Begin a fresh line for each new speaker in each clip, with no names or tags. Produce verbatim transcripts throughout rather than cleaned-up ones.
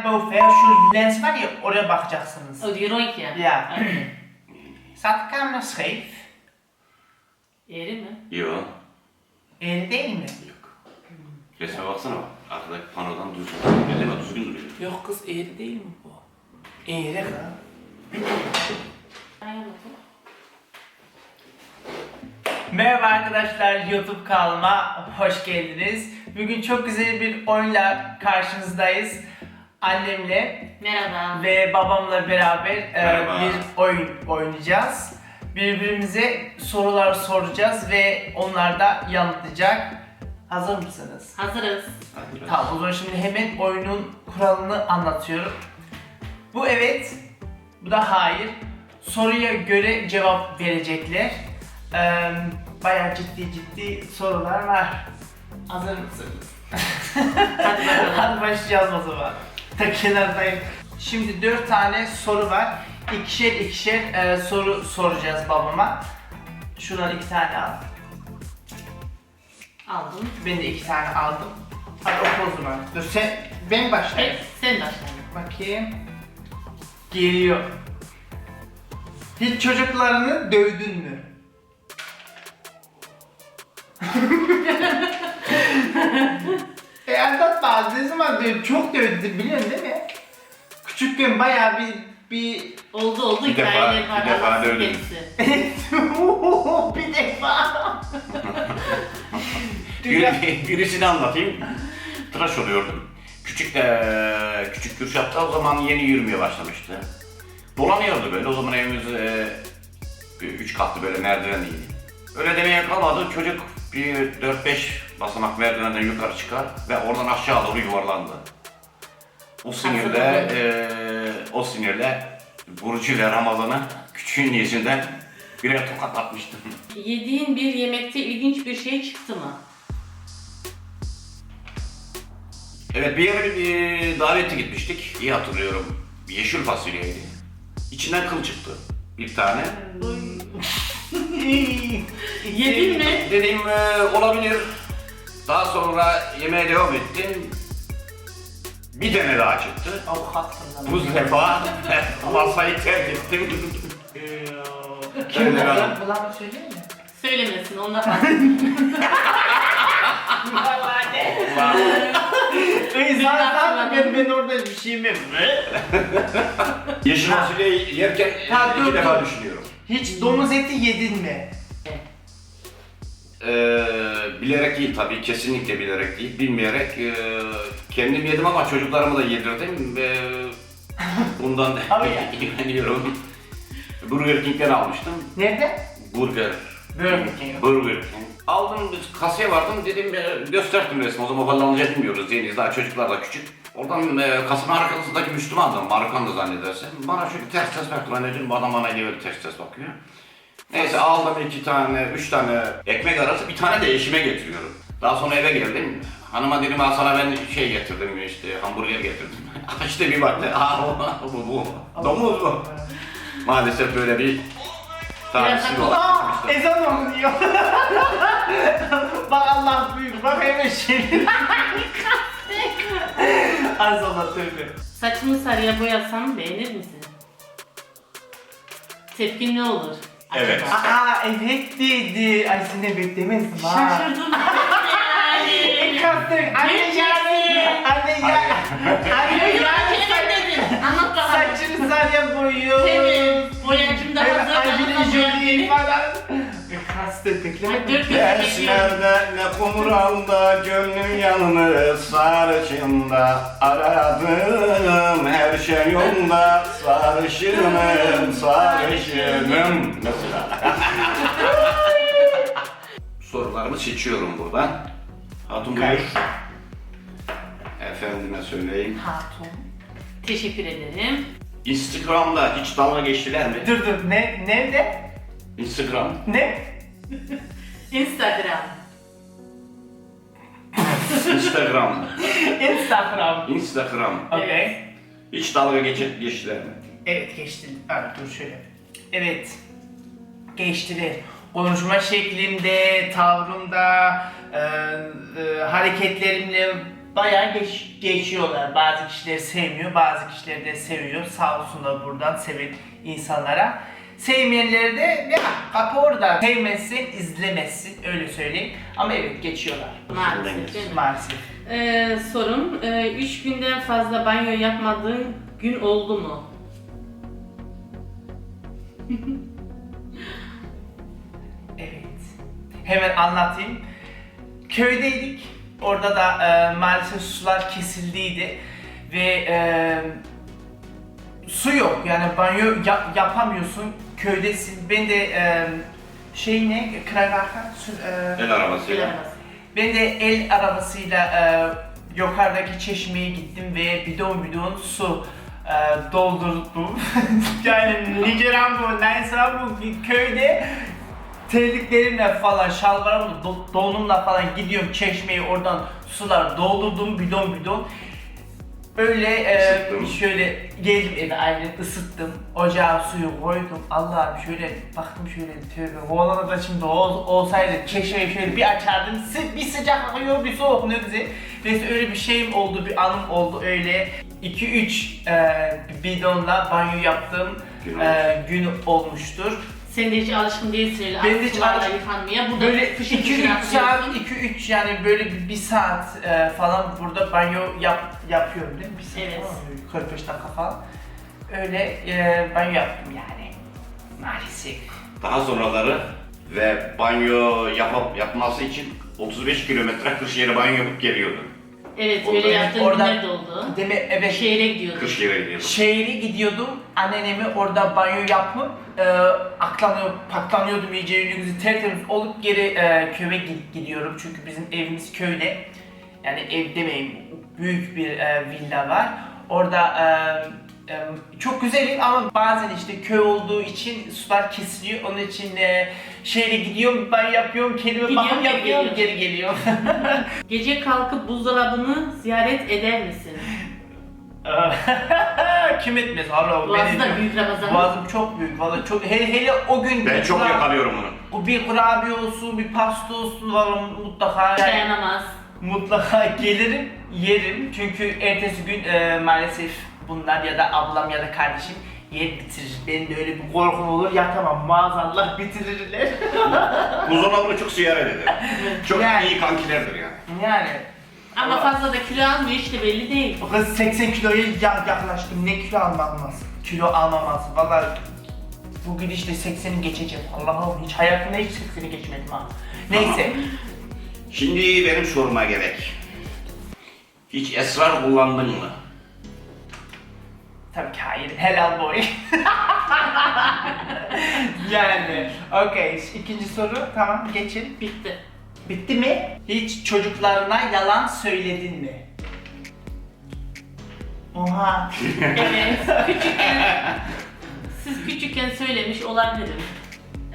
ungefähr şu lens var ya, oraya bakacaksınız.
Oh, die rondje.
Ja.
Oké.
Staat de camera scheef?
Eğri mi?
Yok.
Eğri değil mi?
Yok. Resme baksana bak. Arkadaki panodan düzgün. Elime düzgün duruyor.
Yok kız, eğri değil mi bu? Eğri ha.
Aynen bakalım.
Merhaba arkadaşlar, YouTube kanalıma hoş geldiniz. Bugün çok güzel bir oyunla karşınızdayız. Annemle
Merhaba.
ve babamla beraber e,
Merhaba.
bir oyun oynayacağız. Birbirimize sorular soracağız ve onlar da yanıtlayacak. Hazır mısınız?
Hazırız.
Hadi biraz.
Tamam, o zaman şimdi hemen oyunun kuralını anlatıyorum. Bu evet, bu da hayır. Soruya göre cevap verecekler. Ee, bayağı ciddi ciddi sorular var. Hazır mısınız?
Hadi bakalım.
Hadi başlayalım o zaman. Ta kenardayım. Şimdi dört tane soru var. İkişer ikişer e, soru soracağız babama. Şuradan iki tane al.
Aldım.
Ben de iki tane aldım. Hadi oku o zaman. Dur sen, ben başlayayım.
Evet, sen başla.
Bakayım. Geliyor. Hiç çocuklarını dövdün mü? e anlatma, ne zaman dövdün? Çok dövdün, biliyorsun değil mi? Küçükken bayağı bir bir
Oldu oldu.
Bir defa-
hikayeleri
bir
var,
defa
anlatsın
dövdüm.
kendisi.
bir defa. Dünya-
Bir, birisini anlatayım. Tıraş oluyordum. Küçük de küçük Kürşat'ta o zaman yeni yürümeye başlamıştı. Dolanıyordu böyle. O zaman evimiz e, bir üç katlı böyle merdivenliydi. Öyle demeye kalmadı. Çocuk bir dört beş basamak merdivenden yukarı çıkar ve oradan aşağı doğru yuvarlandı. O sinirle e, o sinirle Burcu ile Ramazan'ı küçüğün yüzünden birer tokat atmıştım.
Yediğin bir yemekte ilginç bir şey çıktı mı?
Evet, bir yere bir davete gitmiştik. İyi hatırlıyorum. Yeşil fasulyeydi. İçinden kıl çıktı. Bir tane.
Yedin mi?
Dedim e, olabilir. Daha sonra yemeğe devam ettim. Bir tane daha çıktı.
Avukatsın.
Bu defa masayı terk ettim.
Kim bu?
Öyle ben-
Bana söyleyeyim mi?
Söylemesin, onda fark.
Ey zaten ben, ben orada bir şeyim yok.
Yeşil fasulyeyi yerken
Ha, dur,
iki
dur.
defa düşünüyorum.
Hiç domuz eti yedin mi?
Ee, bilerek değil tabii, kesinlikle bilerek değil, bilmeyerek e, kendim yedim ama çocuklarımı da yedirdim ve bundan da
Abi ya.
ilgileniyorum. Burger King'den almıştım.
Nerede?
Burger.
Burger King.
Burger King. Aldım, kasaya vardım, dedim e, gösterdim resmi. O zaman kullanılacak bilmiyoruz, yeniyiz, daha çocuklar da küçük. Oradan e, kasanın arkasındaki Müslümandı, Marokkan'dı zannedersem. Bana şöyle ters ters baktı, ben dedim bu adam bana niye böyle ters ters bakıyor. Neyse aldım iki tane, üç tane ekmek arası, bir tane de eşime getiriyorum. Daha sonra eve geldim. Hanıma dedim, al sana ben şey getirdim, işte hamburger getirdim. Açtı bir baktı, aa bu bu, domuz bu. Maalesef böyle bir tarihsi oldu.
Aa, ezan okunuyor. Bak Allah büyük, bak hemen şey. Az Allah tövbe.
Saçını sarıya boyasam beğenir misin? Tepkin ne olur?
Evet.
Acaba?
Aa evet dedi. Ay seni beklemezdim ha.
Şaşırdım yani.
Kastık. Anne yani. Anne ya. Anne
Yok,
yani.
evet dedin. Anlat bakalım.
Saçını sarıya boyuyor.
Evet, boyacım da
Evet,
hazır.
Angelina
Anlatma
Jolie
boyacını.
falan. Kastık
Ay,
beklemedim.
dört gözle bekliyorum.
Derslerde ne kumralda gönlüm yalnız sarışında aradığım her şey yolunda sarışınım sarışınım mesela. Sorularımı seçiyorum buradan. Hatun buyur. Efendime söyleyeyim.
Hatun.
Teşekkür ederim.
Instagram'da hiç dalga geçtiler mi?
Dur dur ne nerede?
Instagram.
Ne?
Instagram.
Instagram.
Instagram.
Instagram.
Okay.
Hiç dalga geçip geçtiler mi?
Evet geçti. Abi dur şöyle. Evet. Geçtiler. Konuşma şeklimde, tavrımda, e, e, hareketlerimle bayağı geç, geçiyorlar. Bazı kişileri sevmiyor, bazı kişileri de seviyor. Sağ olsunlar buradan seven insanlara. Sevmeyenleri de ya kapı orada. Sevmezsin, izlemezsin. Öyle söyleyeyim. Ama evet geçiyorlar.
Maalesef değil mi?
Maalesef.
Ee, sorum, e, üç günden fazla banyo yapmadığın gün oldu mu?
Evet. Hemen anlatayım. Köydeydik. Orada da e, maalesef sular kesildiydi ve e, su yok. Yani banyo yap- yapamıyorsun. Köydesin. Ben de e, şey ne? Kralaka? E,
El arabasıyla.
Bilemez.
ben de el arabasıyla e, yukarıdaki çeşmeye gittim ve bidon bidon su e, doldurdum. Yani Nijeran bu, neyse bu köyde terliklerimle falan, şalvarımla, do- donumla falan gidiyorum çeşmeye, oradan sular doldurdum bidon bidon. Öyle e,
Isıttın.
şöyle geldim eve, aynen ısıttım. Ocağa suyu koydum. Allah'ım şöyle baktım, şöyle tövbe. Oğlanı da şimdi ol, olsaydı çeşmeyi şöyle bir açardım. Sı- bir sıcak akıyor, bir soğuk, ne güzel. Neyse öyle bir şeyim oldu, bir anım oldu öyle. iki üç e, bidonla banyo yaptığım
Gün
e, gün olmuştur.
Sen de hiç alışkın değilsin öyle
Ben de hiç
sularla
alışkın-
yıkanmaya. Burada
Böyle
fışır
iki
fışır
üç saat,
atıyorsun.
iki üç yani böyle bir, bir saat e, falan burada banyo yap, yapıyorum değil mi? Bir saat
Evet.
falan, böyle kırk beş dakika falan. Öyle e, banyo yaptım yani. Maalesef.
Daha sonraları ve banyo yapıp yapması için otuz beş kilometre Kırşehir'e banyo yapıp geliyordu.
Evet,
Orada-
öyle yaptığın
Orada-
günler de oldu.
Deme, evet.
Şehre gidiyordun.
Kırşehir'e gidiyordu.
Şehre gidiyordum, annemi orada banyo yapıp e, aklanıyor, paklanıyordum iyice, yüzü tertemiz olup geri e, köye gi- gidiyorum çünkü bizim evimiz köyde. Yani ev demeyeyim, büyük bir e, villa var. Orada e, e, çok güzel ev ama bazen işte köy olduğu için sular kesiliyor. Onun için e, şehre gidiyorum, banyo yapıyorum, kendime
Gidiyor,
bakım
geri
yapıyorum,
geliyor.
geri geliyorum.
Gece kalkıp buzdolabını ziyaret eder misin?
Kim etmez Allah o
Boğazı
benim.
da büyük Ramazan.
Boğazım çok büyük valla, çok hele, hele o gün
Ben
bir
çok
kura-
yakalıyorum onu.
o bir kurabiye olsun, bir pasta olsun valla mutlaka yani,
Dayanamaz.
mutlaka gelirim, yerim çünkü ertesi gün e, maalesef bunlar ya da ablam ya da kardeşim yer bitirir. Benim de öyle bir korkum olur, yatamam maazallah, bitirirler.
Buzdolabını çok ziyaret eder. Çok
Yani.
iyi kankilerdir yani.
Yani
Ama fazla da kilo almıyor işte belli değil.
o kız seksen kiloya ya- yaklaştım, ne kilo almamaz, kilo almaması valla. Bu gidişle sekseni geçeceğim. Allah'ım hiç hayatımda hiç sekseni geçmedim ha. Neyse.
Şimdi benim soruma gerek. Hiç esrar kullandın mı?
Tabii ki hayır. Helal boy. Yani. Okey. İkinci soru. Tamam geçin.
Bitti.
Bitti mi? Hiç çocuklarına yalan söyledin mi? Oha.
Evet. Küçükken, siz küçükken söylemiş olabilirim. Ee,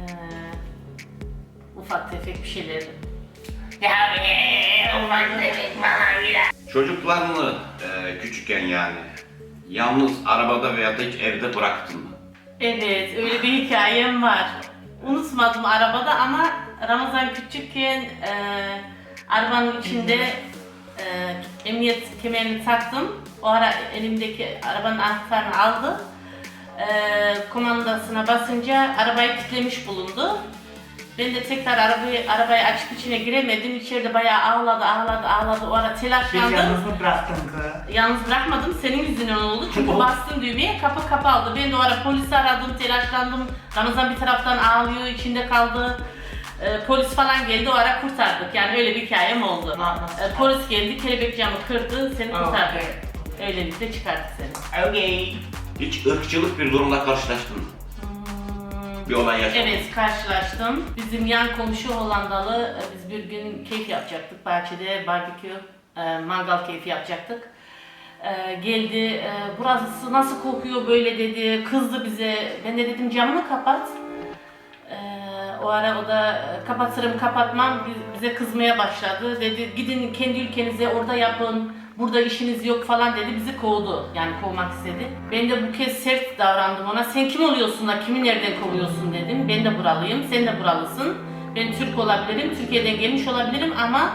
ufak tefek bir şeyleri.
Ya olmaz demek bana bile.
Çocuklarını e, küçükken yani yalnız arabada veya da hiç evde bıraktın mı?
Evet, öyle bir hikayem var. Unutmadım arabada ama Ramazan küçükken e, arabanın içinde e, emniyet kemerini taktım. O ara elimdeki arabanın anahtarını aldı. E, komandasına basınca arabayı kilitlemiş bulundu. Ben de tekrar arabayı arabayı açıp içine giremedim. İçeride bayağı ağladı, ağladı, ağladı. O ara
Bir
telaşlandım.
yalnız mı bıraktın kız?
Yalnız bırakmadım, senin yüzünden oldu. Çünkü
O-
bastım düğmeye, kapı kapandı. Ben de o ara polisi aradım, telaşlandım. Ramazan bir taraftan ağlıyor, içinde kaldı. Ee, polis falan geldi, o ara kurtardık. Yani öyle bir hikayem oldu.
Na- nasıl?
Ee, polis geldi, kelebek camı kırdı, seni kurtardık.
Okay.
Öylelikle çıkardık seni.
Okay.
Hiç ırkçılık bir durumla karşılaştın mı?
Hmm,
Bir olay yaşadın mı?
Evet, karşılaştım. Bizim yan komşu Hollandalı, e, biz bir gün keyif yapacaktık. Bahçede barbekü, e, mangal keyfi yapacaktık. E, geldi, e, burası nasıl kokuyor böyle dedi, kızdı bize. Ben de dedim camını kapat. E, o ara o da e, kapatırım kapatmam Biz- bize kızmaya başladı. Dedi gidin kendi ülkenize orada yapın, burada işiniz yok falan dedi. Bizi kovdu, yani kovmak istedi. Ben de bu kez sert davrandım ona. Sen kim oluyorsun da kimi nereden kovuyorsun dedim. Ben de buralıyım, sen de buralısın. Ben Türk olabilirim, Türkiye'den gelmiş olabilirim ama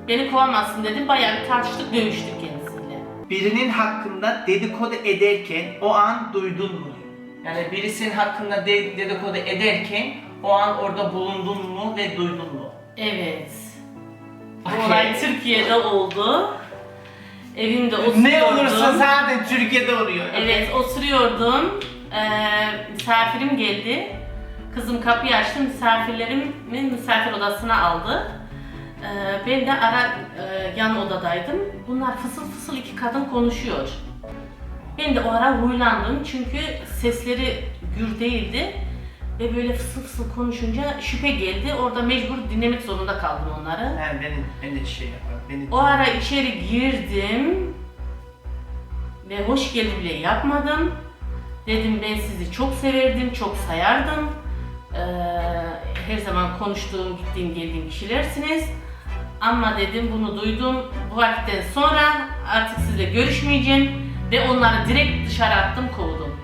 Beni kovamazsın dedim. Bayağı bir tartıştık, dövüştük kendisiyle.
Birinin hakkında dedikodu ederken o an duydun mu? Yani birisinin hakkında de- dedikodu ederken o an orada bulundun mu ve duydun mu?
Evet. Bu
Okey.
olay Türkiye'de oldu. Evimde oturuyordum.
Ne olursa zaten Türkiye'de oluyor.
Evet, oturuyordum. Ee, misafirim geldi. Kızım kapıyı açtı, misafirlerimin misafir odasına aldı. Ee, ben de ara e, yan odadaydım. Bunlar fısıl fısıl iki kadın konuşuyor. Ben de o ara huylandım çünkü sesleri gür değildi. Ve böyle fısıl fısıl konuşunca şüphe geldi. Orada mecbur dinlemek zorunda kaldım onları.
Yani ben, ben de şey yaparım. Beni...
O ara içeri girdim ve hoş geldin bile yapmadım. Dedim ben sizi çok severdim, çok sayardım. Ee, her zaman konuştuğum, gittiğim, geldiğim kişilersiniz. Ama dedim bunu duydum. Bu vakitten sonra artık sizle görüşmeyeceğim ve onları direkt dışarı attım, kovdum.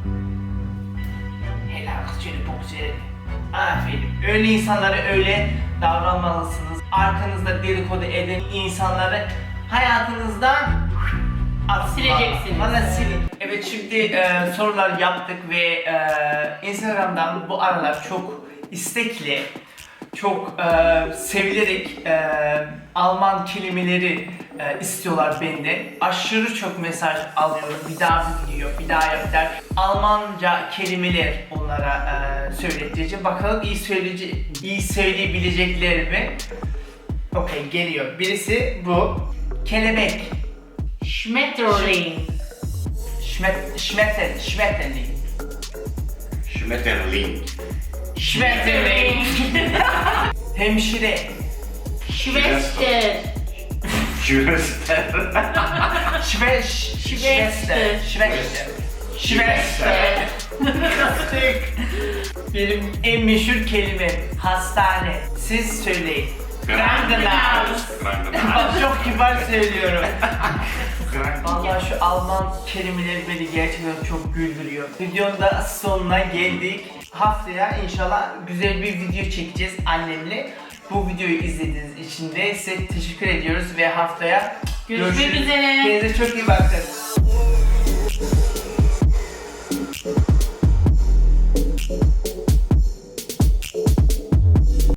Helal kız seni çok severim. Aferin. Öyle insanlara öyle davranmalısınız. Arkanızda dedikodu eden insanları hayatınızdan at.
Sileceksiniz.
Valla silin. Evet, şimdi e, sorular yaptık ve e, Instagram'dan bu aralar çok istekli, çok e, sevilerek e, Alman kelimeleri e, istiyorlar benden. Aşırı çok mesaj alıyorum. Bir daha video, bir daha yaptılar. Almanca kelimeler onlara e, söyleteceğim. Bakalım iyi söyleyece iyi söyleyebilecekler mi? Okey, geliyor. Birisi bu. Kelebek.
Schmetterling.
Schmet, Schmetter, Schmetterling.
Schmetterling.
Schmetterling. Hemşire.
Schwester.
Schwester.
Schwe, Schwester. Schwester. Schwester. Benim en meşhur kelimem hastane. Siz söyleyin. Krankenhaus. Bak çok kibar söylüyorum. Vallahi şu Alman kelimeleri beni gerçekten çok güldürüyor. Videonun da sonuna geldik. Haftaya inşallah güzel bir video çekeceğiz annemle. Bu videoyu izlediğiniz için de size teşekkür ediyoruz ve haftaya
Görüşmek üzere.
Kendinize çok iyi bakın.